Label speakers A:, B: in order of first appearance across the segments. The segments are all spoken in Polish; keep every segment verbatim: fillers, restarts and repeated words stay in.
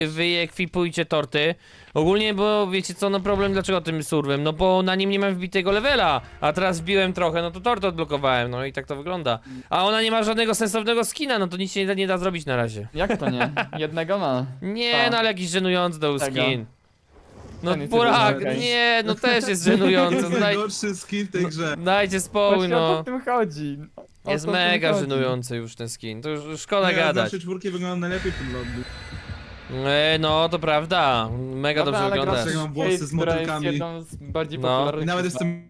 A: wyekwipujcie torty. Ogólnie, bo wiecie co, no problem dlaczego tym surwem? No bo na nim nie mam wbitego levela, a teraz wbiłem trochę, no to torty odblokowałem, no i tak to wygląda. A ona nie ma żadnego sensownego skina, no to nic się nie da, nie da zrobić na razie.
B: Jak to nie? Jednego ma.
A: Nie,
B: Ta.
A: no ale jakiś żenujący dał
B: Tego.
A: skin. No
B: Ten jest
A: burak,
B: jeden, okej.
A: nie, no też jest żenujący.
C: To
A: Daj,
C: najgorszy skin w tej grze.
A: dajcie spokój,
B: Właśnie o to
A: no.
B: w tym chodzi. O
A: Jest
B: to w tym
A: mega
B: chodzi.
A: żenujący już ten skin, to już już szkoda
C: Nie,
A: gadać.
C: Zawsze czwórki wygląda najlepiej w tym lobby.
A: E, no to prawda, mega
B: Dobra,
A: dobrze
B: ale
A: wyglądasz.
B: grasz w
C: Mam włosy
B: Skate,
C: z
B: która jest
C: motylkami.
B: jedną z bardziej
A: No.
B: popularnych.
C: I nawet jestem...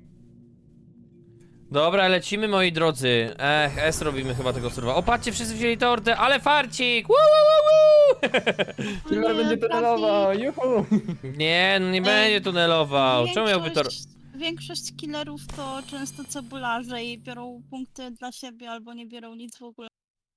A: Dobra, lecimy moi drodzy. Ech, S robimy chyba tego surwa. O, patrzcie, wszyscy wzięli tortę, ale farcik! Woo, woo, woo, woo!
B: Killer będzie tunelował, juhu!
A: Nie, no nie będzie tunelował. Czemu miałby to...
D: Większość- Większość killerów to często cebularze i biorą punkty dla siebie albo nie biorą nic w ogóle.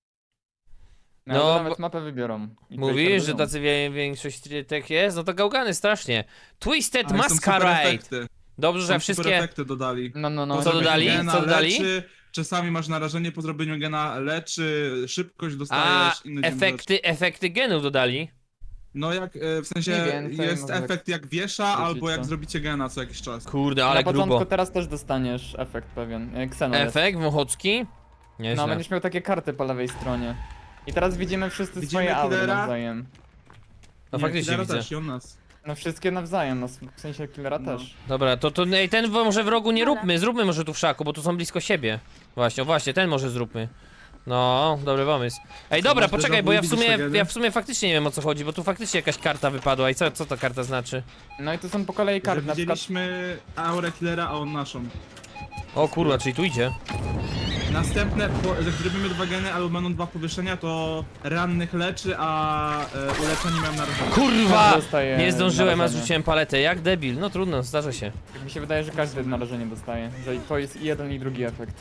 B: No,
A: No,
B: no
A: bo-
B: nawet mapę wybiorą. I
A: Mówisz,
B: tutaj
A: że
B: robią.
A: tacy wie- większość tak jest? No to gałgany strasznie. Twisted
C: Ale są super
A: Masquerade.
C: efekty.
A: Dobrze, że
C: Są super
A: wszystkie...
C: efekty dodali.
B: No, no, no.
A: Co
C: Zrobienie
A: dodali?
C: Gena
A: Co dodali?
C: Leczy, czasami masz narażenie po zrobieniu gena, leczy, szybkość
A: A,
C: dostajesz, inne dziwne rzeczy.
A: efekty, efekty genów dodali.
C: No jak, e, w sensie
B: Mniej więcej,
C: jest
B: może
C: efekt jak wiesza,
B: wrócić
C: albo jak
B: to.
C: zrobicie gena co jakiś czas.
A: Kurde, ale
B: Na początku
A: grubo.
B: teraz też dostaniesz efekt pewien. jak Xeno jest.
A: Efekt Wąchocki?
B: No,
A: Nieźle.
B: będziesz miał takie karty po lewej stronie. I teraz widzimy wszyscy
C: Widzimy
B: swoje aury
C: killera?
B: nawzajem.
A: No
C: Nie,
A: faktycznie
C: Killera
A: widzę.
C: też i on nas.
B: No wszystkie nawzajem, no w sensie killera
C: No.
B: też.
A: Dobra, to, to ej, ten w- może w rogu nie
D: Dobra.
A: róbmy, zróbmy może tu w szaku, bo tu są blisko siebie. Właśnie, o właśnie, ten może zróbmy. No, dobry pomysł. Ej,
C: Co,
A: dobra,
C: masz
A: poczekaj,
C: déjà
A: bo
C: vu?
A: ja w
C: Widzisz
A: sumie,
C: tragedię?
A: ja w sumie faktycznie nie wiem o co chodzi, bo tu faktycznie jakaś karta wypadła i co, co ta karta znaczy?
B: No i to są po kolei
C: Że
B: karty, na przykład
C: widzieliśmy aurę killera, a on naszą.
A: O kurwa, czyli tu idzie.
C: Następne, po, jak zrobimy dwa geny albo będą dwa powieszenia, to rannych leczy, a e, uleczeni mają narażenie.
A: Kurwa!
B: Każdy dostaje
A: Nie zdążyłem, a
B: narażenie.
A: zrzuciłem paletę, jak debil, no trudno, zdarza się.
B: Mi się wydaje, że każdy narażenie dostaje, że to jest i jeden i drugi efekt.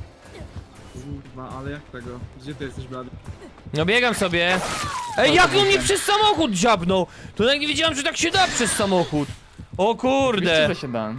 C: Kurwa, ale jak tego? Gdzie ty jesteś, blady?
A: No biegam sobie. Ej, jak on mnie przez samochód dziabnął? To nawet nie wiedziałem, że tak się da przez samochód. O
B: Oczywiście,
A: kurde.
B: że się da.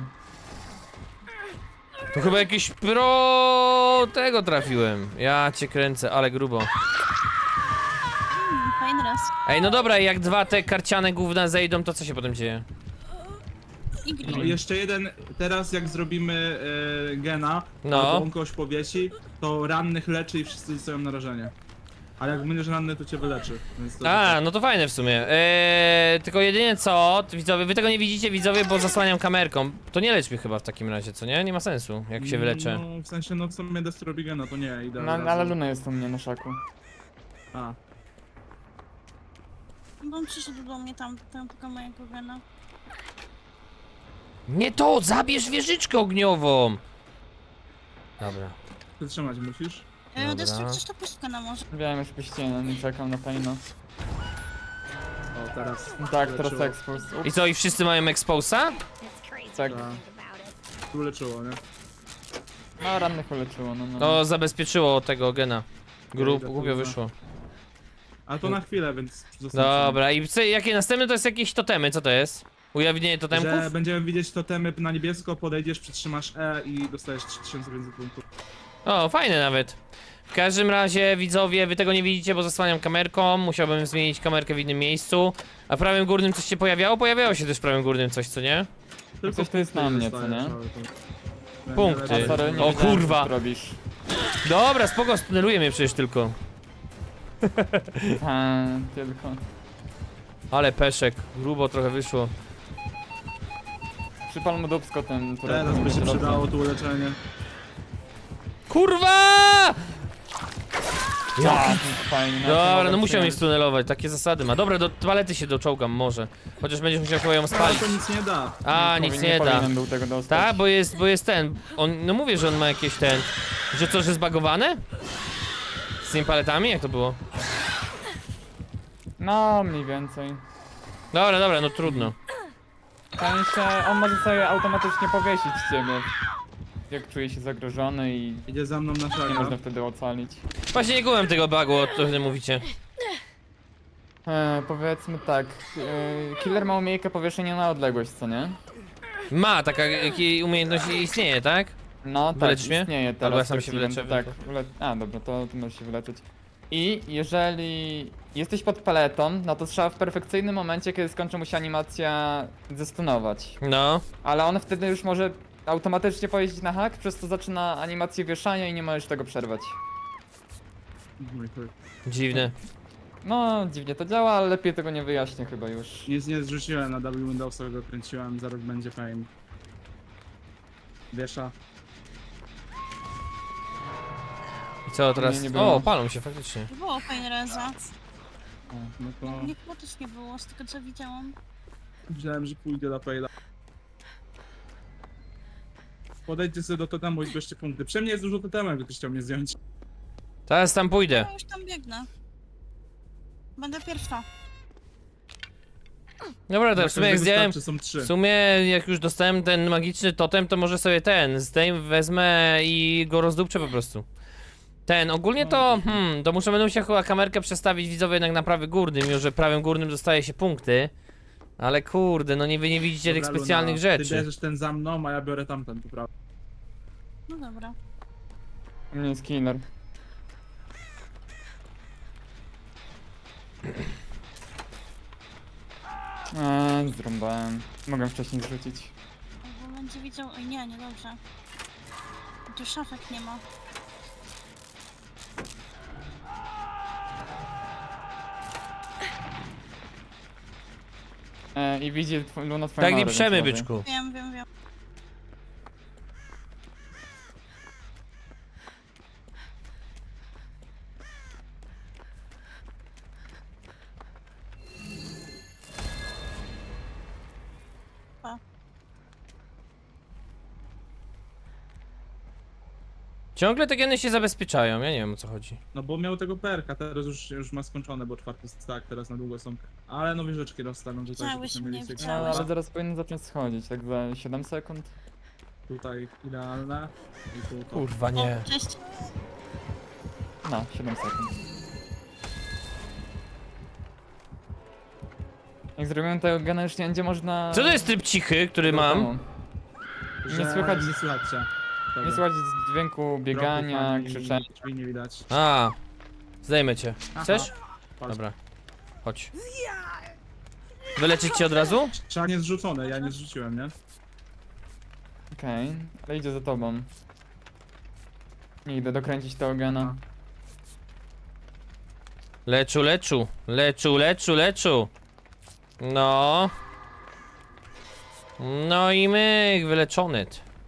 A: To chyba jakiś pro tego trafiłem. Ja cię kręcę, ale grubo.
D: Hmm, fajny raz.
A: Ej, no dobra, jak dwa te karciane gówna zejdą, to co się potem dzieje?
D: I
C: No,
D: grill.
C: jeszcze jeden, teraz jak zrobimy e, gena,
A: No.
C: albo on kogoś powiesi, to rannych leczy i wszyscy dostają narażenie. Ale jak będziesz ranny, to cię wyleczy. Więc to
A: A, no to fajne w sumie. Eee, tylko jedynie co, widzowie, wy tego nie widzicie, widzowie, bo zasłaniam kamerką. To nie lecz mnie chyba w takim razie, co nie? Nie ma sensu, jak się wyleczę.
C: No, w sensie, no w sumie Destro robi gena, to nie, idę
B: No,
C: od razu.
B: ale Luna jest u mnie na szaku.
C: A,
D: Bo on przyszedł do mnie tam, tam tylko mojego gena.
A: Nie to, zabierz wieżyczkę ogniową! Dobra.
C: wytrzymać musisz.
D: E,
A: Dobra.
D: Destru, chcesz to puszkę na morze?
B: Wiem, już puściłem, nie czekam na Paino.
C: O, teraz.
B: Tak, teraz
C: Leczyło.
B: expose.
A: I co, i wszyscy mają exposa?
B: Tak,
C: Tak. Tu leczyło, nie?
B: no rannych uleczyło, no no.
A: To zabezpieczyło tego gena. Grup,
C: Idę,
A: głupio
C: kurwa.
A: wyszło.
C: Ale to na chwilę, więc zostańcie.
A: Dobra, i co, jakie następne to jest jakieś totemy, co to jest? Ujawnienie totemków?
C: Że będziemy widzieć totemy na niebiesko, podejdziesz, przytrzymasz E i dostajesz trzy tysiące pięćset punktów.
A: O, fajne nawet. W każdym razie, widzowie, wy tego nie widzicie, bo zasłaniam kamerką. Musiałbym zmienić kamerkę w innym miejscu. A w prawym górnym coś się pojawiało? Pojawiało się też w prawym górnym coś, co nie?
B: Coś to jest na mnie, co
C: dostajesz,
B: nie?
C: ale to-
A: Punkty.
B: A, sorry, nie
A: O
B: wiedziałem,
A: kurwa.
B: co ty robisz.
A: Dobra, spoko, stuneluje mnie przecież tylko.
B: A, tylko.
A: Ale peszek, grubo trochę wyszło.
B: Przypal mu dupsko ten, który...
C: Teraz by się przydało tu uleczenie.
A: Kurwa!
B: Ja, fajnie.
A: Dobra, no musiał mnie stunelować, takie zasady ma. Dobra, do toalety się doczołgam może. Chociaż będziesz musiał chyba ją
C: Ale
A: spalić.
C: to nic nie da.
A: A, nic nie da.
B: Był tego dostać.
A: Tak, bo jest, bo jest ten. On, no mówię, że on ma jakieś ten. Że co, że zbagowane? Z tymi paletami? Jak to było?
B: No, mniej więcej.
A: Dobra, dobra, no trudno.
B: W sensie, on może sobie automatycznie powiesić ciebie. Jak czuje się zagrożony i
C: Idzie za mną na
B: nie
C: szagę.
B: można wtedy ocalić.
A: Właśnie nie kumam tego bugu, o którym mówicie.
B: E, powiedzmy tak, e, killer ma umiejętność powieszenia na odległość, co nie?
A: Ma, taka jakiej umiejętność istnieje, tak?
B: No tak,
A: Wyleczysz mnie?
B: istnieje teraz.
A: Albo ja sam
B: to
A: się
B: Steven,
A: wyleczę,
B: Tak,
A: to-
B: ule... a dobra, to ty możesz się wyleczyć. I jeżeli jesteś pod paletą, no to trzeba w perfekcyjnym momencie, kiedy skończy mu się animacja, zestunować.
A: No.
B: Ale on wtedy już może automatycznie pojeździć na hak, przez to zaczyna animację wieszania i nie możesz tego przerwać.
C: Mój chuj.
A: Dziwne.
B: No, dziwnie to działa, ale lepiej tego nie wyjaśnię chyba już.
C: Nic nie zrzuciłem na W Windowsa, go kręciłem, zaraz będzie fame. Wiesza.
A: I co teraz?
B: Nie, nie było.
A: O, palą się faktycznie.
D: Nie było fajne reza.
C: O, no to
D: Nie, chyba też nie było, z tego co widziałam.
C: myślałem, że pójdę do Pejla. Podejdźcie sobie do totemu i zbierzcie punkty. Przy mnie jest dużo totemów, jakby ktoś chciał mnie zdjąć.
A: Teraz tam pójdę.
D: Ja już tam biegnę. Będę pierwsza.
A: Dobra, to w sumie jak zdjąłem...
C: Czy są trzy?
A: W sumie jak już dostałem ten magiczny totem, to może sobie ten zdejm, wezmę i go rozdupczę po prostu. Ten, ogólnie to, hmm, to muszę będę się chyba kamerkę przestawić widzowie jednak na prawy górny, mimo że prawym górnym dostaje się punkty. Ale kurde, no nie wy nie widzicie tych
C: Dobra,
A: specjalnych
C: Luna, Ty
A: rzeczy.
C: bierzesz ten za mną, a ja biorę tamten, tu prawda.
D: No dobra.
B: U mnie jest killer. Eee, zrąbałem. Mogę wcześniej zrzucić.
D: Albo będzie widział... Oj nie, nie dobrze. Tu szafek nie ma.
B: Eee, I widzi tw Luna twoją
A: Tak nie
B: aurę,
A: przemy,
B: więc uważaj.
A: byczku.
D: Wiem, wiem, wiem.
A: Ciągle te geny się zabezpieczają, ja nie wiem o co chodzi.
C: No bo miał tego perka, teraz już, już ma skończone, bo czwarty stack, teraz na długo są. Ale nowe rzeczki rozstawiam tutaj,
D: Widziałeś
C: żebyśmy mieli
D: mnie,
C: seks.
B: No,
D: widziałeś.
B: ale zaraz powinien zacząć schodzić, tak za siedem sekund.
C: Tutaj idealne. I tu to.
A: Kurwa nie.
D: O, cześć.
B: No, siedem sekund. Jak zrobimy tego gena już nie będzie można...
A: Co to jest tryb cichy, który mam?
C: Że
B: Nie słychać-
C: Nie słychać cię.
B: Nie słychać dźwięku biegania,
C: Kroków ani
B: krzyczenia.
C: drzwi nie widać.
A: A, zdejmę cię. Chcesz?
C: Chodź.
A: Dobra, chodź. Wyleczyć cię od razu?
C: Trzeba nie zrzucone, ja nie zrzuciłem, nie?
B: Okej, ale idzie za tobą. Nie idę dokręcić tego gena.
A: Leczu, leczu, leczu, leczu, leczu. No. No i myk, wyleczony.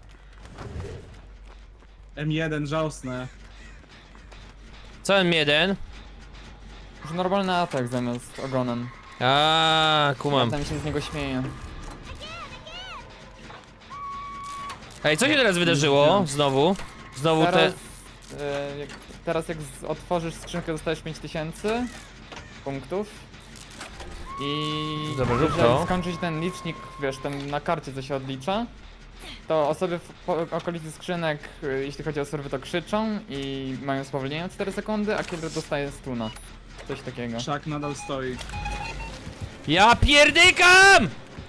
C: M jeden, żałosne.
A: Co M jeden?
B: Już normalny atak zamiast ogonem.
A: A, kumam.
B: Tam się z niego śmieje.
A: Ej, co się teraz wydarzyło? Znowu? Znowu te...
B: Teraz, e, jak, teraz jak z, otworzysz skrzynkę, dostajesz pięć tysięcy punktów. I
A: Dobra, rób
B: jeżeli
A: to.
B: skończyć ten licznik, wiesz, ten na karcie co się odlicza, to osoby w po, okolicy skrzynek, y, jeśli chodzi o serwy, to krzyczą i mają spowolnienie o cztery sekundy, a killer dostaje stuna. Coś takiego.
C: Szak nadal stoi.
A: Ja pierdykam!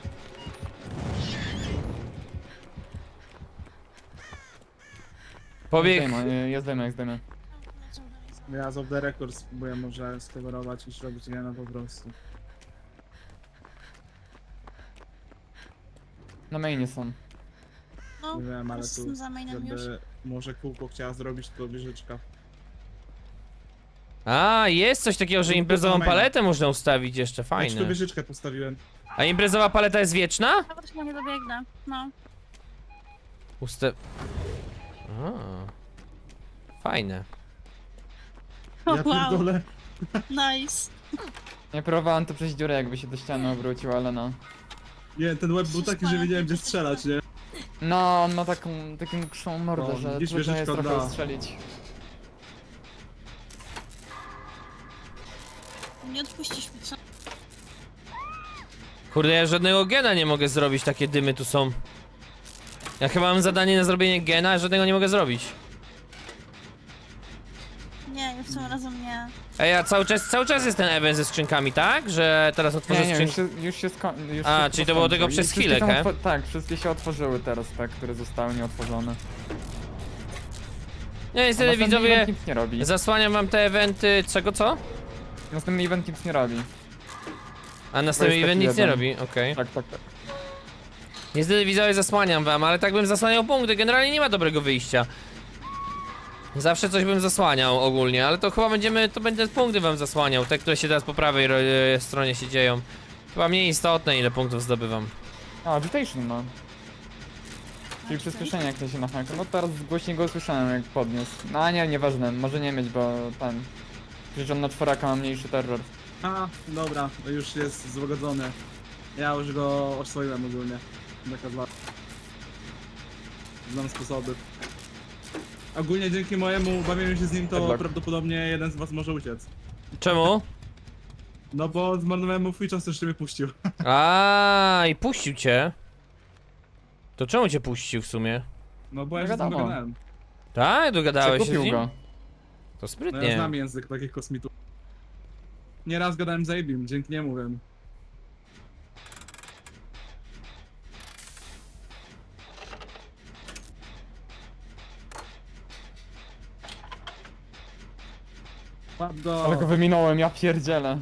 A: Pobieg...
B: Zdejmę, jest zdejmę, jest zdejmę.
C: Ja z off the record spróbuję może skowerować i zrobić Jana po prostu.
B: Na mainie są.
D: No,
C: Nie wiem, ale tu,
D: jestem za mainem już.
C: żeby może kółko chciała zrobić, to wieżyczka.
A: A, jest coś takiego, że
C: Tu- tu
A: imprezową
C: na maina.
A: paletę można ustawić jeszcze,
C: Ja ci
A: fajne.
C: tu wieżyczkę postawiłem.
A: A imprezowa paleta jest wieczna?
D: Ja też nie dobiegnę. No.
A: Uste... A. Fajne.
D: O,
C: Ja
D: wow,
C: pierdolę.
D: nice.
B: Ja próbowałem to przez dziurę, jakby się do ściany obrócił, ale no.
C: Nie, ten łeb był taki, że wiedziałem gdzie strzelać, nie?
B: No, on ma taką, taką krzą mordę,
C: No,
B: że
C: widzisz,
B: trudno jest
C: wieżyczka
B: trochę
C: da.
B: ustrzelić.
D: Nie odpuścisz mi, co?
A: Kurde, ja żadnego gena nie mogę zrobić, takie dymy tu są. Ja chyba mam zadanie na zrobienie gena, a żadnego nie mogę zrobić.
D: Nie, już tym razem nie.
A: Ej, a cały czas, cały czas jest ten event ze skrzynkami, tak? Że teraz otworzę
B: Nie, nie, już
A: skrzynkę.
B: się, już się skończył.
A: A, czyli to było tylko przez chwilę, he?
B: Tak, wszystkie się otworzyły teraz, tak, które zostały nieotworzone.
A: Nie,
B: A
A: niestety
B: następny
A: widzowie,
B: event nic nie robi.
A: zasłaniam wam te eventy, czego co?
B: Następny event nic nie robi.
A: A następny
B: jest
A: event
B: taki
A: nic nie
B: jeden.
A: robi, okej.
B: Tak, tak, tak.
A: Niestety widzowie zasłaniam wam, ale tak bym zasłaniał punkty, generalnie nie ma dobrego wyjścia. Zawsze coś bym zasłaniał ogólnie, ale to chyba będziemy, to będę punkty wam zasłaniał, te które się teraz po prawej ro- e, stronie się dzieją. Chyba mniej istotne ile punktów zdobywam.
B: A, agitation ma. Czyli przyspieszenie jak to się na haku. No teraz głośniej go usłyszałem jak podniósł. No a nie, nieważne, może nie mieć, bo ten... Przecież on na czworaka ma mniejszy terror.
C: A, dobra, to już jest złagodzony. Ja już go oswoiłem ogólnie. Taka dwa. Znam sposoby. Ogólnie dzięki mojemu bawieniu się z nim, to
B: Headlock.
C: prawdopodobnie jeden z was może uciec.
A: Czemu?
C: No bo zmarnowałem mu free czas, jeszcze mnie puścił.
A: A i puścił cię. To czemu cię puścił w sumie?
C: No bo ja
B: No
C: się z nim
B: wiadomo.
C: dogadałem.
A: Tak? Dogadałeś się z
B: Przekupił
A: nim?
B: go.
A: To
C: No ja
A: sprytnie.
C: znam język takich kosmitów. Nieraz gadałem z Abim, dzięki niemu wiem. Łap go.
B: Ale go wyminąłem, ja pierdzielę.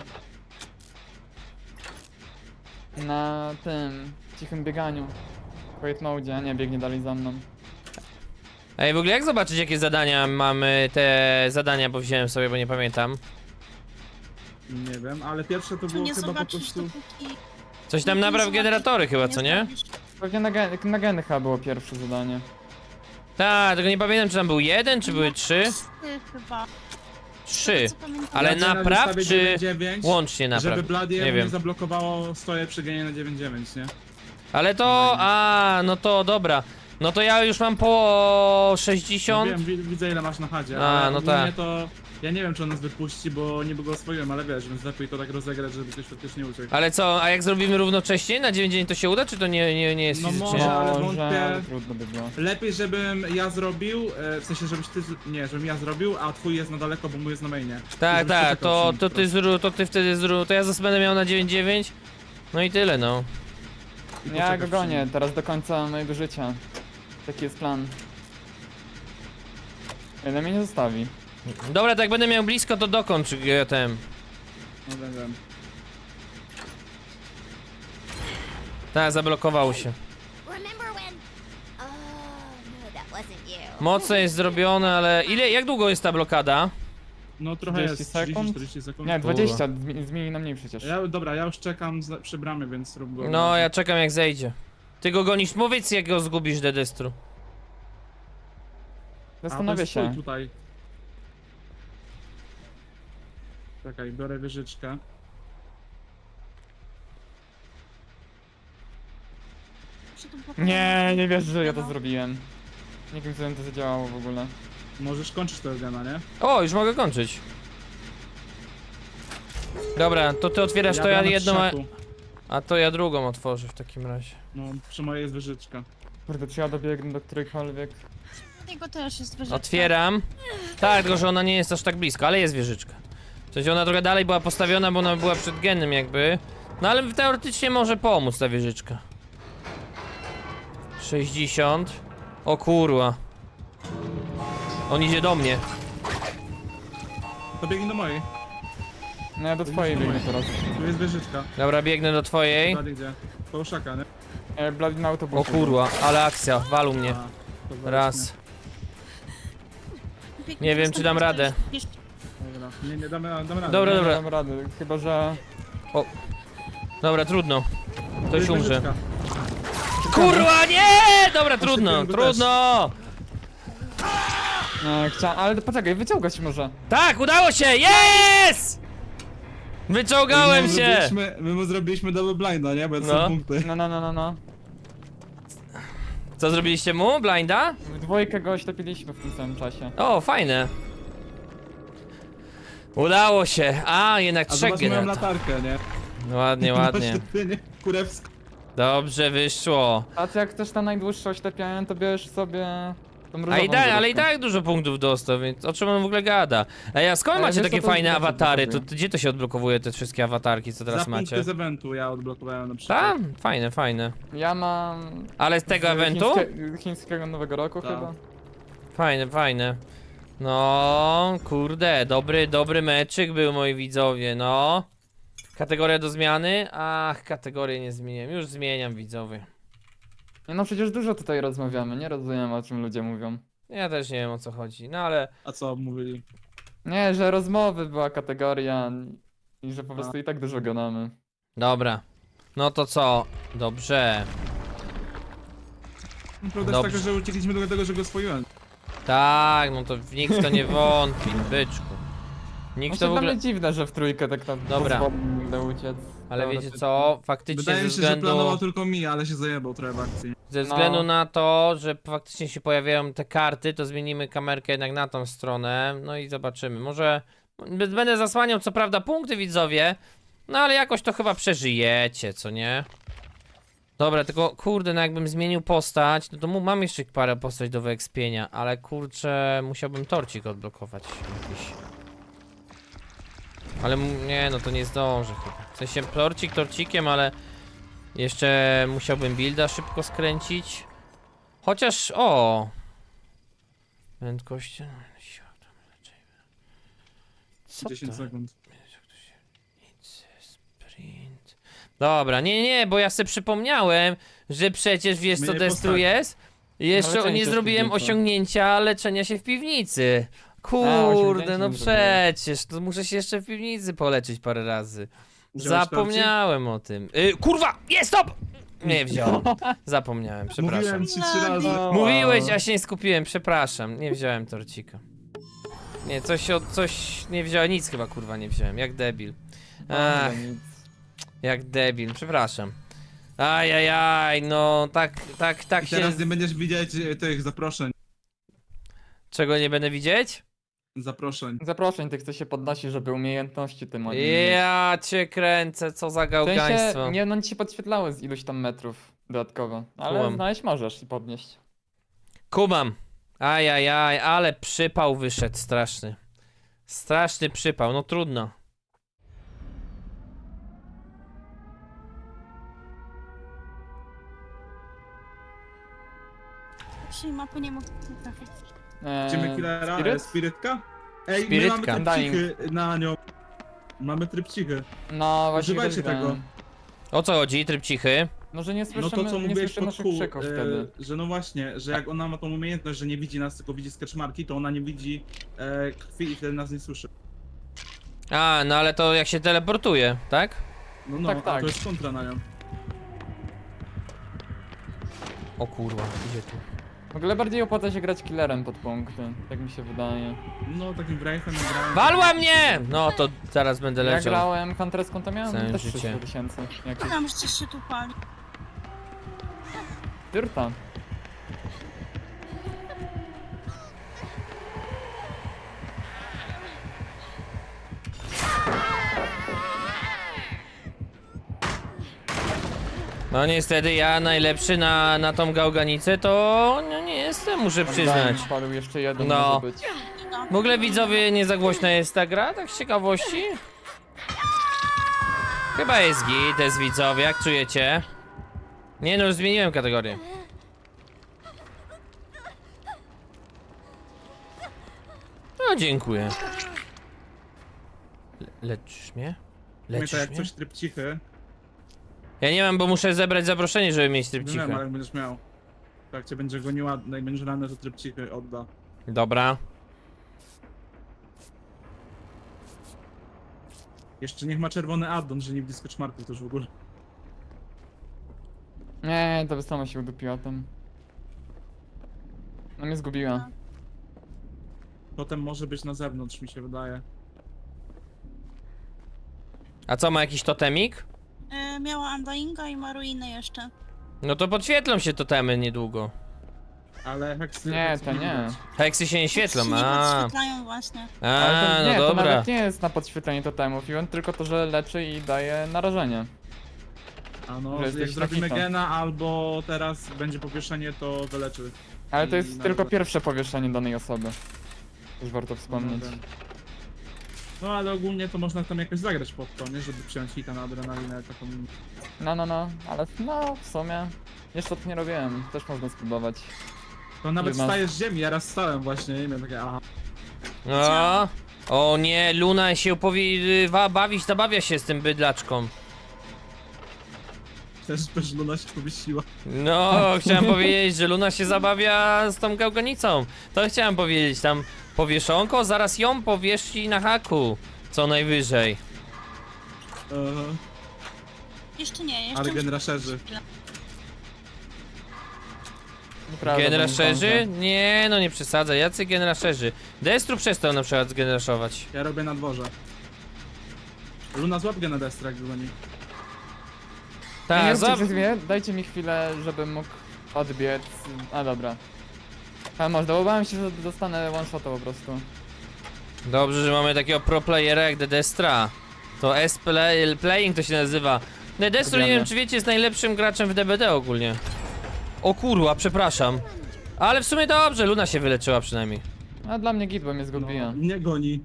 B: Na tym cichym bieganiu. Quiet mode, a nie, biegnie dalej za mną.
A: Ej, w ogóle jak zobaczyć jakie zadania mamy, te zadania, bo wziąłem sobie, bo nie pamiętam.
C: Nie wiem, ale pierwsze to
D: To
C: było
D: nie
C: chyba po
D: zobaczysz,
C: prostu...
D: dopóki...
A: Coś tam
D: nie
A: napraw
D: zobaczysz,
A: generatory chyba, co nie?
D: zobaczysz.
B: Pewnie na, gen na geny chyba było pierwsze zadanie.
A: Tak, tylko nie pamiętam czy tam był jeden, czy były trzy?
D: Ty chyba.
A: Trzy.
D: Co pamiętam.
A: Ale
C: Ja cię
A: napraw,
C: ustawię
A: czy
C: dziewięć dziewięć,
A: Łącznie napraw.
C: żeby Bloody
A: Nie
C: nie,
A: wiem.
C: nie zablokowało stoję przy genie na dziewięć dziewięć, nie?
A: Ale to, a, no to dobra. No to ja już mam po
C: No
A: sześćdziesiąt.
C: wiem, wi widzę ile masz na chadzie,
A: A,
C: ale
A: no
C: ogólnie
A: tak.
C: to... Ja nie wiem czy on nas wypuści, bo niby go oswoiłem, ale wiesz, więc lepiej to tak rozegrać, żeby ktoś faktycznie uciekł.
A: Ale co, a jak zrobimy równocześnie na dziewięć dzień to się uda, czy to nie, nie, nie jest
C: No
A: fizycznie?
C: może. ale
B: Może,
C: wątpię-
B: ale trudno by było.
C: Lepiej żebym ja zrobił, e, w sensie żebyś ty... z- Nie, żebym ja zrobił, a twój jest na daleko, bo mój jest na mainie.
A: Tak,
C: Żebyś
A: tak,
C: poczekał
A: to,
C: przy nim
A: to
C: po
A: ty
C: prostu.
A: zrób, to ty wtedy zrób, to ja zas będę miał na dziewięć dziewięć. No i tyle, no.
C: I
B: Ja
C: poczekasz
B: go
C: przy
B: gonię,
C: nim.
B: teraz do końca mojego życia. Taki jest plan. Ile mnie nie zostawi.
A: Dobra, tak jak będę miał blisko, to dokończ G T M.
C: No wiem, wiem.
A: Tak, zablokował się.
E: Remember when? Oh, no, that wasn't you.
A: Mocno jest zrobione, ale ile, jak długo jest ta blokada?
C: No trochę jest,
B: trzydzieści
C: trzydzieści
B: sekund?
C: czterdzieści sekund.
B: Nie, dwadzieścia, zmi- zmieni na mniej przecież.
C: Ja, dobra, ja już czekam z, przy bramie, więc rób go.
A: No, ja czekam jak zejdzie. Ty go gonisz, powiedz jak go zgubisz, Dedestru.
B: Zastanowię
C: się.
B: się.
C: Tutaj. Czekaj, biorę wieżyczkę.
D: Czy to było-
B: Nie, nie wierzę, że ja to
D: No.
B: zrobiłem. Nie wiem, co to zadziałało w ogóle.
C: Możesz kończyć tego gena, nie?
A: O, już mogę kończyć. Dobra, to ty otwierasz to ja
C: bramę
A: jedną, a,
C: trzaku.
A: a to ja drugą otworzę w takim razie.
C: No, przy mojej jest wieżyczka.
B: Kurde, czy ja dobiegnę do którejkolwiek?
D: Jego też jest wyżej.
A: Otwieram. Tak, tylko że ona nie jest aż tak blisko, ale jest wieżyczka. W sensie ona trochę dalej była postawiona, bo ona była przed genem jakby. No ale teoretycznie może pomóc ta wieżyczka. sześćdziesiąt. O kurwa. On idzie do mnie.
C: To biegnij do mojej.
B: No ja do twojej biegnę teraz.
C: Tu jest wieżyczka.
A: Dobra, biegnę do twojej.
C: Blady gdzie? Po szaka, nie?
B: E, Bloody na autobusie.
A: O kurwa, ale akcja, walu mnie.
C: A, to weźmy.
A: Raz.
D: Biegnie
A: Nie wiem, czy dam
D: następny
A: radę.
D: czterdzieści.
C: Dobra. Nie, nie, damy, damy radę.
A: Dobra,
B: Nie
A: dobra.
B: dam rady, chyba że...
A: Dobra, trudno.
C: To
A: Ktoś
C: jest
A: umrze.
C: wieżyczka.
A: Kurwa, nie! Dobra, trudno,
C: Osypiłem go
A: trudno!
B: Nie, chciałem, ale poczekaj, wyciągać może.
A: Tak, udało się! Yes! Wyciągałem
C: My mu
A: się!
C: zrobiliśmy- My mu zrobiliśmy double blinda, nie? Bo to
A: No.
C: są punkty.
B: No, no, no, no, no.
A: Co zrobiliście mu? Blinda?
B: W dwójkę go oślepiliśmy w tym samym czasie.
A: O, fajne. Udało się. A, jednak
C: A
A: trzech
C: zobacz moją
A: generatorów.
C: latarkę, nie?
A: Ładnie, ładnie.
C: Oślepienie kurewskie.
A: Dobrze wyszło.
B: A ty jak chcesz na najdłuższe oślepianie, to bierz sobie tą różową
A: A i tak, ale i
B: wyrobkę.
A: tak dużo punktów dostał, więc o czym on w ogóle gada? Ej, a skąd
B: Ale
A: macie
B: wiesz,
A: takie
B: co to
A: fajne
B: znaczy,
A: awatary? To,
B: odblokowuje?
A: to gdzie to się odblokowuje, te wszystkie awatarki, co teraz
C: Za
A: macie?
C: punkty z eventu ja odblokowałem na przykład.
A: Tak? Fajne, fajne.
B: Ja mam...
A: Ale z tego
B: z
A: eventu?
B: chińskie- chińskiego Nowego Roku
C: Tak.
B: chyba.
A: Fajne, fajne. No, kurde, dobry, dobry meczyk był, moi widzowie, no. Kategoria do zmiany? Ach, kategorię nie zmieniłem, już zmieniam, widzowie.
B: Nie, no przecież dużo tutaj rozmawiamy, nie rozumiem o czym ludzie mówią.
A: Ja też nie wiem, o co chodzi, no ale...
C: A co mówili?
B: Nie, że rozmowy była kategoria i że po prostu i tak dużo gadamy.
A: Dobra. No to co? Dobrze.
C: Prawda
A: Dobrze.
C: jest taka, że uciekliśmy do tego, że go swoiłem.
A: Tak, no to nikt w to nie wątpi, byczku. Nikt
B: Właśnie
A: to w
B: dla
A: ogóle...
B: mnie dziwne, że w trójkę tak tam
A: Dobra.
B: pozwolę uciec.
A: Ale
B: Dobra,
A: wiecie
B: to-
A: co? Faktycznie
C: Wydaje
A: ze
C: mi się, że planował
A: względu...
C: tylko mi, ale się zajebał trochę w akcji.
A: Ze
B: No.
A: względu na to, że faktycznie się pojawiają te karty, to zmienimy kamerkę jednak na tą stronę. No i zobaczymy. Może b- będę zasłaniał co prawda punkty, widzowie. No ale jakoś to chyba przeżyjecie, co nie? Dobra, tylko kurde, no jakbym zmienił postać, no to mu mam jeszcze parę postać do wyekspienia, ale kurczę, musiałbym torcik odblokować jakiś. Ale m- nie, no to nie zdążę chyba. W sensie torcik torcikiem, ale jeszcze musiałbym builda szybko skręcić. Chociaż, o! Prędkość... Co
C: dziesięć
A: to?
C: sekund.
A: Sprint. Dobra, nie, nie, bo ja sobie przypomniałem, że przecież wiesz co
C: Zmieniaj
A: Destru
C: postać.
A: jest? Jeszcze
B: leczenie
A: nie
B: się w
A: zrobiłem
B: piwnicy.
A: osiągnięcia leczenia się w piwnicy. Kurde,
B: osiągnięcie
A: no
B: nie zrobiłem.
A: przecież, to muszę się jeszcze w piwnicy poleczyć parę razy.
C: Wziąłeś
A: Zapomniałem o tym. Y, kurwa, jest stop! Nie wziąłem. Zapomniałem, przepraszam.
C: Mówiłem ci trzy razy.
B: No.
A: Mówiłeś, a się nie skupiłem, przepraszam. Nie wziąłem torcika. Nie, coś od coś nie wziąłem, nic chyba kurwa nie wziąłem, jak debil. Ach,
B: Dobra, nic.
A: jak debil, przepraszam. Ajajaj, no tak, tak, tak
C: I
A: się...
C: teraz nie będziesz widzieć e, tych zaproszeń.
A: Czego nie będę widzieć?
C: Zaproszeń.
B: Zaproszeń tych, co się podnosi, żeby umiejętności tym oni mieć.
A: Ja cię kręcę, co za
B: W
A: gałgaństwo.
B: sensie, nie, no ci się podświetlały z iluś tam metrów dodatkowo, ale
A: Kumam.
B: znaleźć możesz i podnieść.
A: Kumam. Ajajaj, ale przypał wyszedł straszny. Straszny przypał, no trudno.
D: Dzisiaj mapy nie mogę trafić.
B: Eee,
C: Idziemy killera,
B: Spirit?
C: e, spirytka? Ej,
A: Spirytka.
C: my mamy trypcichy na nią. Mamy trypcichy.
B: No właśnie
C: Używajcie
B: też
C: tego.
B: wiem.
A: O co chodzi, tryb cichy?
B: No, że nie
C: No
B: słyszymy,
C: to co
B: nie
C: mówiłeś
B: słyszymy
C: pod
B: naszych
C: kół,
B: krzyków
C: e,
B: wtedy.
C: że no właśnie, że jak ona ma tą umiejętność, że nie widzi nas, tylko widzi sketchmarki, to ona nie widzi e, krwi i wtedy nas nie słyszy.
A: A, no ale to jak się teleportuje, tak?
C: No no,
B: Tak,
C: a
B: tak.
C: to jest kontra na nią.
A: O kurwa, idzie tu.
B: W ogóle bardziej opłaca się grać killerem pod punkty, tak mi się wydaje.
C: No takim Wraithem grałem.
A: Walła mnie! No to zaraz będę
B: Ja
A: leciał.
B: grałem Hunterską, to miałem
A: Całe
B: też
A: życie.
B: trzysta tysięcy. Jakieś
D: Tam, że coś się tu pali.
B: dyrta.
A: No niestety ja najlepszy na, na tą gałganicę to no, nie jestem, muszę przyznać.
B: Daj, Padł jeszcze jeden,
A: No.
B: może być.
A: W ogóle widzowie, nie za głośna jest ta gra, tak z ciekawości? Chyba jest git, to jest widzowie, jak czujecie? Nie no, już zmieniłem kategorię. No dziękuję. Le leczysz mnie? Leczysz
C: Pamiętaj, jak
A: mnie?
C: coś trypcichy,
A: Ja nie mam, bo muszę zebrać zaproszenie, żeby mieć tryb
C: nie wiem, ale
A: cichy.
C: jak będziesz miał. Tak cię będzie goniła, jak będziesz ranny, to trypcichy odda.
A: Dobra.
C: Jeszcze niech ma czerwony addon, że nie widzi sketchmarków też w ogóle.
B: Nie, to by sama się udupiła tam. No mnie zgubiła.
C: Potem może być na zewnątrz, mi się wydaje.
A: A co, ma jakiś totemik?
D: E, miała Undyinga i ma ruiny jeszcze.
A: No to podświetlą się totemy niedługo.
C: Ale heksy...
B: Nie,
C: heksy
B: to nie.
C: widać.
A: Heksy się nie świetlą,
D: Się nie
A: a.
D: podświetlają właśnie.
B: Ale
A: A,
B: to, nie,
A: no
B: to
A: dobra.
B: nawet nie jest na podświetlenie totemów, i on tylko to, że leczy i daje narażenie.
C: A no,
B: Że
C: jak
B: jesteś
C: zrobimy
B: rakitą.
C: gena albo teraz będzie powieszenie, to wyleczy.
B: Ale to
C: I
B: jest
C: nawet-
B: tylko pierwsze powieszenie danej osoby. Już warto wspomnieć.
C: No, no ale ogólnie to można tam jakoś zagrać pod to, nie? Żeby przyjąć hita na adrenalinę taką...
B: No, no, no, ale no, w sumie. Jeszcze to nie robiłem, też można spróbować.
C: To nawet
B: Jedna-
C: wstajesz z ziemi, ja raz stałem właśnie i miałem takie aha.
A: O, o nie, Luna się opowie... bawić, zabawia się z tym bydlaczką.
C: Też też Luna się powiesiła.
A: No, chciałem powiedzieć, że Luna się zabawia z tą gałganicą. To chciałem powiedzieć, tam powieszonko, zaraz ją powiesi na haku. Co najwyżej.
C: Aha.
D: Jeszcze nie, jeszcze
C: Ale
D: muszę-
C: gen rusherzy.
B: Nieprawda,
A: Gen
B: bo nie
A: rusherzy?
B: zdążę.
A: Nie, no nie przesadzaj, jacy gen rusherzy? Destru przestał na przykład gen rushować.
C: Ja robię na dworze. Luna złap gena Destra, jak goni.
B: Nie, nie
A: Tak,
B: róbcie
A: za...
B: przez mnie, dajcie mi chwilę, żebym mógł odbiec. A dobra. A może, bo bałem się, że dostanę one shota po prostu.
A: Dobrze, że mamy takiego pro playera jak The Destra. To S-play, playing to się nazywa. The Destro, nie
B: Lubiamy.
A: wiem czy wiecie, jest najlepszym graczem w D B D ogólnie. O kurwa, przepraszam. Ale w sumie dobrze, Luna się wyleczyła przynajmniej.
B: A dla mnie git, bo mnie
C: No,
B: zgubiła.
C: nie goni.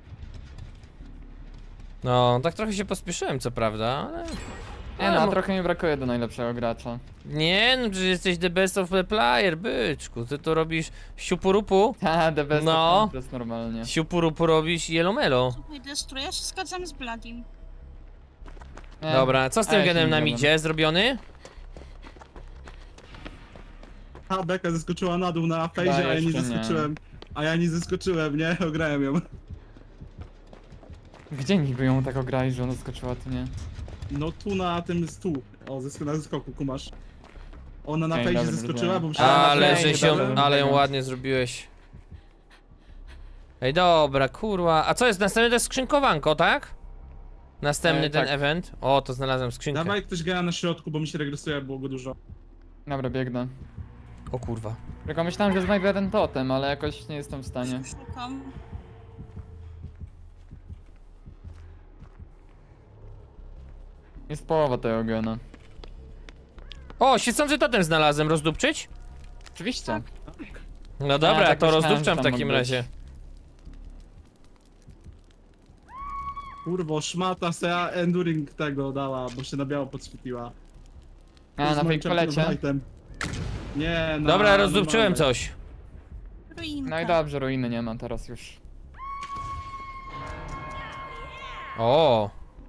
A: No, tak trochę się pospieszyłem, co prawda, ale...
B: Nie
A: ale
B: no,
A: mo-
B: trochę mi brakuje do najlepszego gracza.
A: Nie, no przecież jesteś the best of the player, byczku. Ty to robisz siupurupu,
B: Ha, the best
A: No.
B: of Huntress normalnie.
A: siupurupu robisz jelomelo.
D: Słuchaj, Destru, ja się zgadzam z Bladim.
B: Nie.
A: Dobra, co z
B: A
A: tym
B: ja się
A: genem
B: nie
A: na
B: zgadzam.
A: midzie zrobiony?
C: A Beka zeskoczyła na dół na fejzie,
B: Da,
C: a ja nie
B: jeszcze nie.
C: zeskoczyłem. A ja nie zeskoczyłem, nie? Ograłem ją.
B: Gdzie niby ją tak ograli, że ona skoczyła, ty nie?
C: No tu na tym stu. O, zesk na zeskoku, kumasz. Ona na
B: Okej,
C: fejzie
B: dobra,
C: zeskoczyła,
B: zrozumiałem.
C: bo myślałem,
B: A,
A: Ale
B: na
A: że
B: fejzie,
A: się,
B: dobra,
A: ale ją
B: dobra.
A: ładnie zrobiłeś. Ej, dobra, kurwa. A co jest następny? To jest skrzynkowanko, tak? Następny
B: E,
A: ten
B: tak.
A: event. O, to znalazłem skrzynkę.
C: dawaj ktoś gra na środku, bo mi się regresuje, było go dużo.
B: Dobra, biegnę.
A: O kurwa.
B: Tylko myślałem, że znajdę ten totem, ale jakoś nie jestem w stanie.
D: Szukam.
B: Jest połowa tego gena.
A: O, świecący totem znalazłem. Rozdupczyć?
B: Oczywiście.
A: No dobra,
B: tak
A: to
B: myślałem,
A: rozdupczam
B: że
A: w
B: tam
A: takim
B: mógł
A: razie.
B: być.
C: Kurwo, szmata se enduring tego dała, bo się na biało podświetliła.
B: A,
C: Z
B: na
C: moim
B: fake kolecie.
C: Championite. Nie, na...
A: Dobra, rozdupczyłem
C: normalnej.
A: coś.
D: Ruinka.
B: No i dobrze, ruiny nie ma teraz już.
A: O.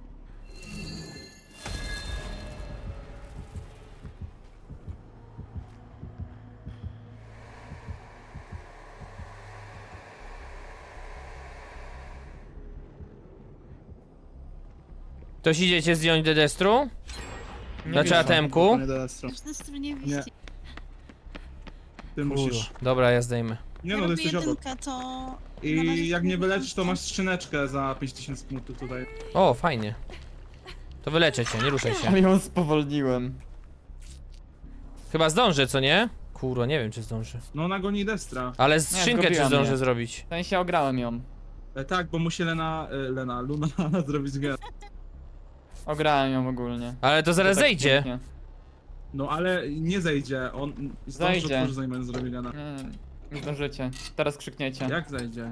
A: Ktoś idziecie zdjąć do destru?
B: Nie
A: Znaczy
B: widzę.
A: atemku?
C: Nie, Destro.
D: W Destru nie
C: Nie.
D: widzicie.
C: Ty musisz.
A: Dobra, ja zdejmę.
C: Nie
D: Ja
C: no, to
D: robię
C: jesteś obok.
D: jedynkę, to... na razie
C: I jak
D: się
C: nie wyleczysz, to
D: wyłączam.
C: masz skrzyneczkę za pięć tysięcy punktów tutaj.
A: O, fajnie. To wyleczę cię, nie ruszaj się.
B: Ale ją spowolniłem.
A: Chyba zdążę, co nie? Kurwa, nie wiem czy zdążę.
C: No ona goni Destra.
A: Ale skrzynkę czy
B: zgubiła
A: zdążę
B: mnie.
A: zrobić?
B: W sensie ograłem ją.
C: E, tak, bo musi Lena, e, Lena, Luna zrobić grę.
B: Ograłem ją ogólnie.
A: Ale to zaraz
B: To tak
A: zejdzie.
B: pięknie.
C: No ale nie zejdzie, on zdąży
B: Zejdzie.
C: otworzyć zanim będzie zrobić Lena.
B: Nie, nie zdążycie. Teraz krzykniecie.
C: Jak zejdzie?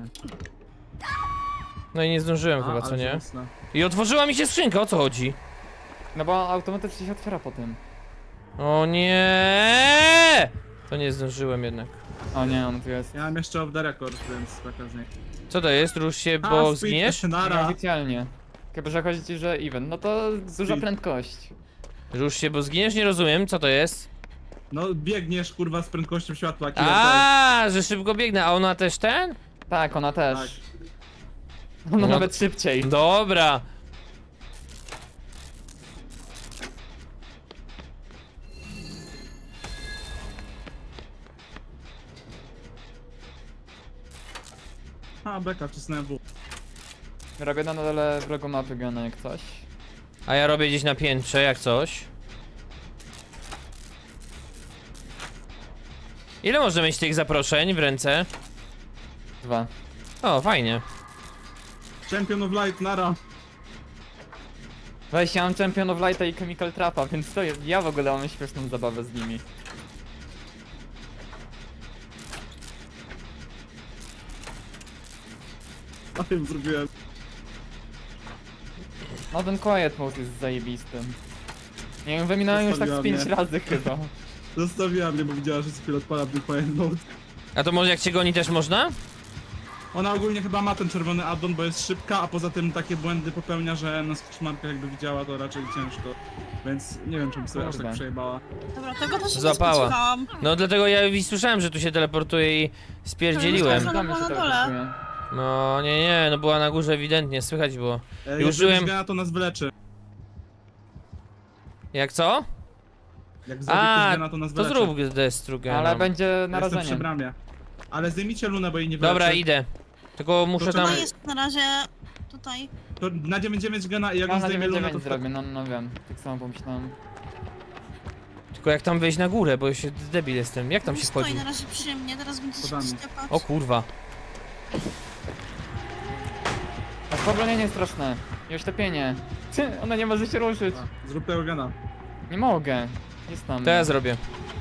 A: No i nie zdążyłem
C: A,
A: chyba, co
C: ale
A: nie?
C: żałosne.
A: I otworzyła mi się skrzynka, o co chodzi?
B: No bo automatycznie się otwiera po tym.
A: O nie! To nie zdążyłem jednak.
B: O nie, on tu jest.
C: Ja mam jeszcze off the record, więc taka z niej.
A: Co to jest? Rusz się,
C: A,
A: bo
C: speed,
A: zginiesz?
C: Nara.
B: Nieoficjalnie. Chyba, że chodzi ci, że event. No to duża
C: Speed.
B: prędkość.
A: Rusz się, bo zginiesz? Nie rozumiem, co to jest?
C: No biegniesz kurwa z prędkością światła, killer też.
A: A, że szybko biegnę, a ona też ten?
B: Tak, ona też.
C: Tak.
B: Ona
A: No
B: nawet szybciej.
A: Dobra.
C: A, beka, wcisnąłem W.
B: Robię na dole wrogu mapy gena jak coś.
A: A ja robię gdzieś na piętrze, jak coś. Ile można mieć tych zaproszeń w ręce?
B: Dwa.
A: O, fajnie.
C: Champion of Light, Nara.
B: Weź, ja mam Champion of Lighta i Chemical Trapa, więc to jest, ja w ogóle mam śmieszną zabawę z nimi.
C: A tym zrobiłem.
B: No ten Quiet Mode jest zajebistym. Nie wiem, wyminąłem już tak z
C: Zostawiła
B: pięć
C: mnie.
B: razy chyba.
C: Zostawiła mnie, bo widziała, że chwilę odpala Blue Quiet Mode.
A: A to może jak cię goni też można?
C: Ona ogólnie chyba ma ten czerwony addon, bo jest szybka, a poza tym takie błędy popełnia, że na skrzmarkach jakby widziała, to raczej ciężko. Więc nie wiem, czym sobie aż tak
B: Kurde.
C: przejebała.
D: Dobra, tego to się
A: Złapała.
D: nie spodziewałam.
A: No dlatego ja i słyszałem, że tu się teleportuje i spierdzieliłem.
D: Ona
B: Tam
D: była
B: się
D: na dole.
B: teleportuje.
A: No nie, nie, no była na górze ewidentnie, słychać było.
C: E,
A: Już
C: jak
A: żyłem-
C: zrobisz gena, to nas wyleczy.
A: Jak co?
C: Jak zrobisz
A: A,
C: gena, to nas
A: to
C: wyleczy.
A: zrób Destrugena.
B: Ale będzie
C: Ja Jestem
B: narażenie.
C: przy bramie. Ale zdejmijcie lunę, bo jej nie wyleczy.
A: Dobra, idę. Tylko muszę
C: To
A: tam...
D: Ona jest na razie tutaj.
C: To na dziewięć dziewięć gena i jak
B: Ja
C: on
B: na
C: zdejmie
B: dziewięć
C: lunę, to
B: dziewięć zrobię, no, no wiem. Tak samo pomyślałem.
A: Tylko jak tam wejść na górę, bo się debil jestem. Jak tam się
D: Stoi
A: wchodzi?
D: na razie przy mnie, teraz będzie się
C: Podamy.
D: ściepać.
A: O kurwa.
B: A spowolnienie straszne. I oślepienie. Ty, ona nie może się ruszyć.
C: A, zrób tego gena.
B: Nie mogę. Jest tam.
A: To ja zrobię.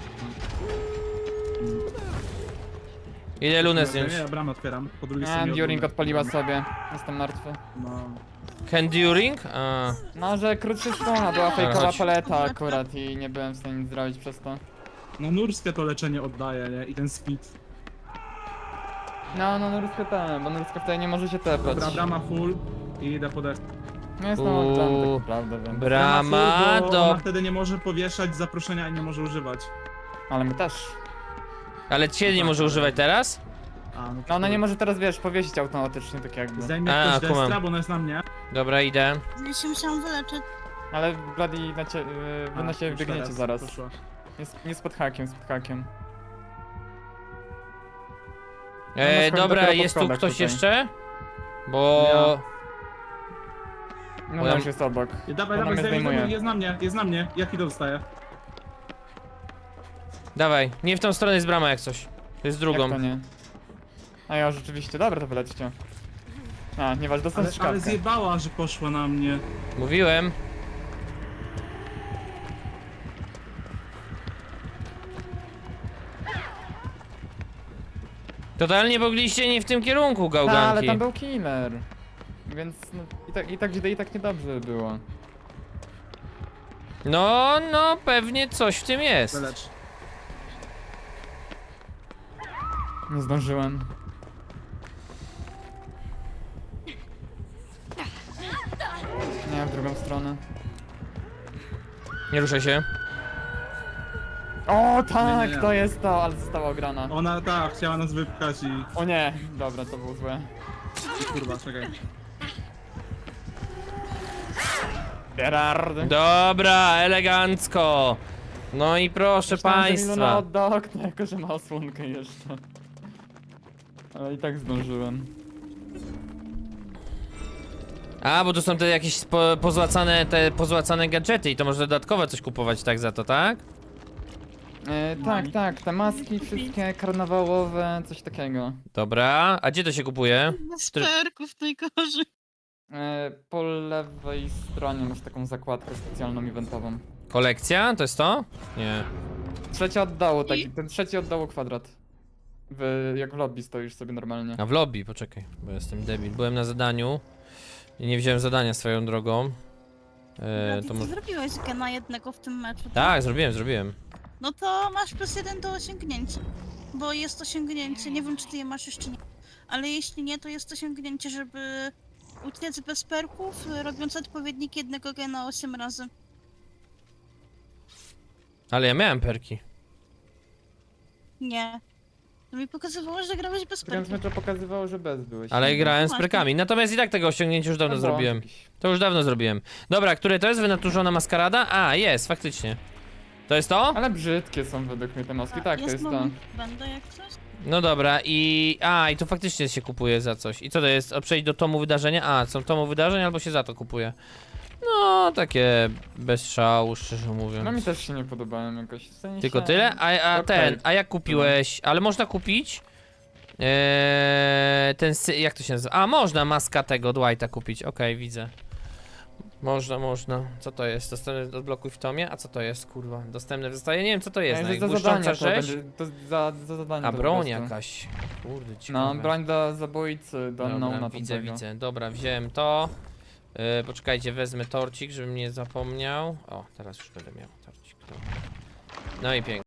A: Ile lunę zdjąć?
C: Nie, ja bramę otwieram. Po drugiej
B: A,
C: stronie od
B: During
C: luny.
B: odpaliła sobie. Jestem martwy.
C: No.
A: Enduring? A,
B: No, że krótszy strona była
A: chodź.
B: fejkowa paleta akurat i nie byłem w stanie nic zrobić przez to.
C: No nurskie to leczenie oddaje, nie? I ten speed.
B: No, no, Nurska ten, bo Nurska wtedy nie może się tepać.
C: Dobra, brama full i idę po deszcz.
B: No jest no, tam
A: Uuu.
B: tak naprawdę wiem.
A: brama
C: full, bo
A: do...
C: ona wtedy nie może powieszać zaproszenia i nie może używać.
B: Ale my też.
A: Ale cię nie może używać teraz?
C: A, no, to
B: No ona nie
C: chuj.
B: może teraz, wiesz, powiesić automatycznie, tak jakby.
C: Zdejmie
A: A,
C: ktoś
A: kumam.
C: destra, bo ona jest na mnie.
A: Dobra, idę.
D: Ja się musiałam wyleczyć.
B: Ale Bloody na cie, yy, wy
C: A,
B: na siebie
C: już
B: biegniecie
C: teraz
B: zaraz.
C: poszło.
B: Jest, nie z pod hakiem, z pod hakiem.
A: E,
B: chodzi
A: dobra,
B: dopiero po
A: jest tu
B: schodach
A: ktoś
B: tutaj.
A: jeszcze? Bo...
B: No
A: Bo
B: ona
A: ja-
B: już jest obok.
C: I dawaj,
B: Ona
C: dawaj,
B: mnie
C: zdejmij,
B: zdejmuje.
C: zdejmij, jest na mnie, jest na mnie. Jaki to dostaje?
A: Dawaj, nie w tą stronę jest brama jak coś. To jest drugą.
B: Jak to nie? A ja rzeczywiście, dobra, to wylećcie. A, nieważne, dostanę
C: Ale, ale
B: strzałkę.
C: zjebała, że poszła na mnie.
A: Mówiłem. Totalnie mogliście nie w tym kierunku,
B: Ta, ale
A: gałganki.
B: tam był killer. Więc no, i tak, i tak źle, i tak niedobrze było.
A: No, no, pewnie coś w tym jest.
C: Wylecz.
B: Nie zdążyłem. Nie, w drugą stronę.
A: Nie ruszaj się.
B: O tak,
C: Nie, nie, nie.
B: to jest to, ale została ograna.
C: Ona, tak, chciała nas wypchać i...
B: O nie, dobra, to było złe.
C: Kurwa, czekaj.
B: Gerard.
A: Dobra, elegancko. No i proszę
B: Myślałem, że Miluna
A: państwa.
B: odda okno, jako że ma osłonkę jeszcze. Ale i tak zdążyłem.
A: A, bo to są te jakieś po, pozłacane, te pozłacane gadżety i to można dodatkowo coś kupować tak za to, tak?
B: E, tak, tak, te maski wszystkie karnawałowe, coś takiego.
A: Dobra, a gdzie to się kupuje?
D: Bez
A: Który-
D: perków najgorzej.
B: E, po lewej stronie masz taką zakładkę specjalną eventową.
A: Kolekcja? To jest to? Nie.
B: Trzecie od dołu, tak,
D: I-
B: ten trzeci od dołu kwadrat. W, jak w lobby stoisz sobie normalnie.
A: A w lobby, poczekaj, bo jestem debil. Byłem na zadaniu i nie wziąłem zadania swoją drogą. E,
D: Ty
A: to
D: ty
A: może...
D: zrobiłeś gena jednego w tym meczu.
A: Tak, zrobiłem, zrobiłem.
D: No to masz plus jeden do osiągnięcia. Bo jest osiągnięcie, nie wiem czy ty je masz jeszcze nie. Ale jeśli nie, to jest osiągnięcie, żeby uciec bez perków, robiąc odpowiednik jednego gena osiem razy.
A: Ale ja miałem perki.
D: Nie. To mi pokazywało, że grałeś bez
B: Którymś
D: perków.
B: meczu pokazywało, że bez byłeś.
A: Ale grałem z
D: właśnie.
A: perkami. Natomiast i tak tego osiągnięcia już dawno
B: No, błąd
A: zrobiłem.
B: jakiś.
A: To już dawno zrobiłem. Dobra, które to jest? Wynaturzona maskarada? A, jest, faktycznie. To jest to?
B: Ale brzydkie są według mnie te maski, tak, to jest to.
D: moment, Będę jak coś.
A: No dobra, i... A, i tu faktycznie się kupuje za coś. I co to jest? O, przejść do tomu wydarzenia? A, są tomu wydarzeń albo się za to kupuje. No, takie bez szału, szczerze mówiąc.
B: No mi też się nie podobają jakoś, w sensie...
A: Tylko tyle? A, a
B: Okej.
A: ten, a jak kupiłeś? Ale można kupić? Eee, ten, sy- jak to się nazywa? A, można maska tego Dwighta kupić, okej, widzę. Można, można. Co to jest? Dostępne odblokuj w tomie? A co to jest, kurwa? Dostępne zostaje? Nie wiem co to jest.
B: Ej,
A: No,
B: że za
A: błyszcząca
B: zadania to
A: rzeź?
B: będzie, to za, za zadanie
A: A
B: to
A: broń
B: po prostu.
A: jakaś. Kurde,
B: No,
A: ciekawe.
B: broń do zabójcy, do
A: Dobra,
B: unknowna
A: widzę,
B: tamtego.
A: widzę. Dobra, wziąłem to. Yy, poczekajcie, wezmę torcik, żebym nie zapomniał. O, teraz już będę miał torcik. Dobra. No i pięknie.